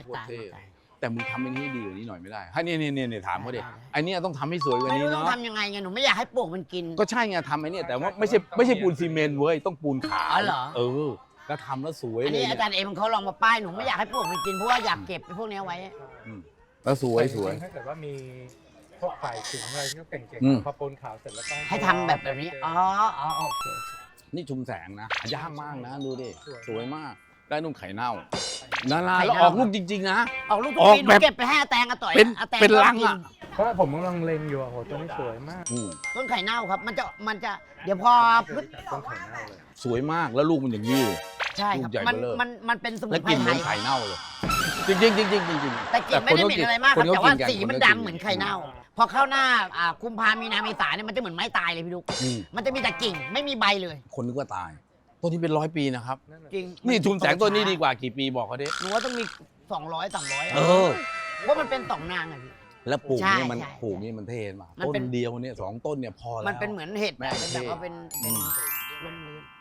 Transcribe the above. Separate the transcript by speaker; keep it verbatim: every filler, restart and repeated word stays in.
Speaker 1: โคตรเท่แต่มึงทำอันนี้ให้ดีกว่านี้หน่อยไม่ได้ให้เนี่ยเนี่ยเนี่ยถามเขาดิไอเนี้ยต้องทำให้สวยกว่า
Speaker 2: ไม่
Speaker 1: นี้
Speaker 2: รู้ต้อง
Speaker 1: เนาะ
Speaker 2: ทำยังไงไงหนูไม่อยากให้ปลวกมันกิน
Speaker 1: ก็ใช่ไงทำไอ้นี่แต่ว่าไม่ใช่ไม่ใช่ปูนซีเมนต์เว้ยต้องปูนขาว
Speaker 2: อ๋อเหรอ
Speaker 1: เออแล้วทำแล้วสวย
Speaker 2: อัน
Speaker 1: เลย
Speaker 2: นี้อาจารย์เอ็มเขาลองมาป้ายหนูไม่อยากให้ปลวกมันกินเพราะว่าอยากเก็บไปพวกนี้ไว้
Speaker 1: แล้วสวยสวย
Speaker 3: ถ้าเกิดว่ามีพวกฝ่ายสิงอะไรที่เขาเก่ง
Speaker 1: อืม
Speaker 3: ๆพอปนขาวเสร็จแล้วก็
Speaker 2: ให้ทำแบบแบบนี้อ๋ออ๋อโอเค
Speaker 1: นี่ชุมแสงนะยากมากนะดูดิสวยมากได้นุ่มไข่เน่านาราแล้วออกลูกจริงๆนะ
Speaker 2: ออกลูก
Speaker 1: ออก
Speaker 2: ปีหนู
Speaker 1: แบบ
Speaker 2: เก็บไปให้อาแตงอาต่อย
Speaker 1: เป็น
Speaker 2: อาแตง
Speaker 1: เป็น
Speaker 2: ก็
Speaker 1: ลัง
Speaker 2: กิ
Speaker 1: อ่ะ
Speaker 3: เพราะผมกำลังเล็งอยู่อะโหตัวนี้สวยมาก
Speaker 1: อืม
Speaker 2: ต้นไข่เน่าครับ มันจะมันจะเดี๋ยวพอพฤษ
Speaker 3: ต้นไข่เน่าเลย
Speaker 1: สวยมากแล้วลูกมันอย่างนี้
Speaker 2: ใช่ครับ
Speaker 1: ลูกใหญ่
Speaker 2: มัน
Speaker 1: เบ้อเร่อ
Speaker 2: มันมันเป็นสมุ
Speaker 1: แล้
Speaker 2: น
Speaker 1: ว
Speaker 2: ไพร
Speaker 1: กลิ่นเห
Speaker 2: ไท
Speaker 1: มือน
Speaker 2: ย
Speaker 1: ไข่เน่าเลยจริงๆจริงๆจริงๆจริงๆ
Speaker 2: แต่กลิ่นไม่ได้เหม็นอะไรมากครับ
Speaker 1: คน
Speaker 2: แต่ว่า
Speaker 1: กิกั
Speaker 2: สีมัน
Speaker 1: คก็
Speaker 2: ดำเหมือนไข่เน่า พอเข้าหน้าอ่ากุมภามีนาเมษาเนี่ยมันจะเหมือนไม้ตายเลยพี่ลูก
Speaker 1: อืม
Speaker 2: มันจะมีแต่กิ่งไม่มีใบเลย
Speaker 1: คนนึกว่าตายต้นนี้เป็นร้อยปีนะครับ
Speaker 2: จริง
Speaker 1: นี่ชุมแสงต้นนี้ดีกว่ากี่ปีบอกเขาดิ
Speaker 2: หนูว่าต้องมีสองร้อยสามร้อย
Speaker 1: เออ
Speaker 2: เพราะมันเป็นสองนางอะพี่
Speaker 1: แล้วปลูก
Speaker 2: ใช่
Speaker 1: เนี่ยมัน
Speaker 2: ใช่
Speaker 1: ปลูกนี่มันเท่มาก
Speaker 2: มัน
Speaker 1: ต้
Speaker 2: เป็น
Speaker 1: นเดียวเนี่ยสองต้นเนี่ยพอแล้ว
Speaker 2: มันเป็นเหมือนเห็ด
Speaker 1: แม่
Speaker 2: อะเป็นแบบว่าเป็นเป็น
Speaker 1: อืม
Speaker 2: ร่มรื่น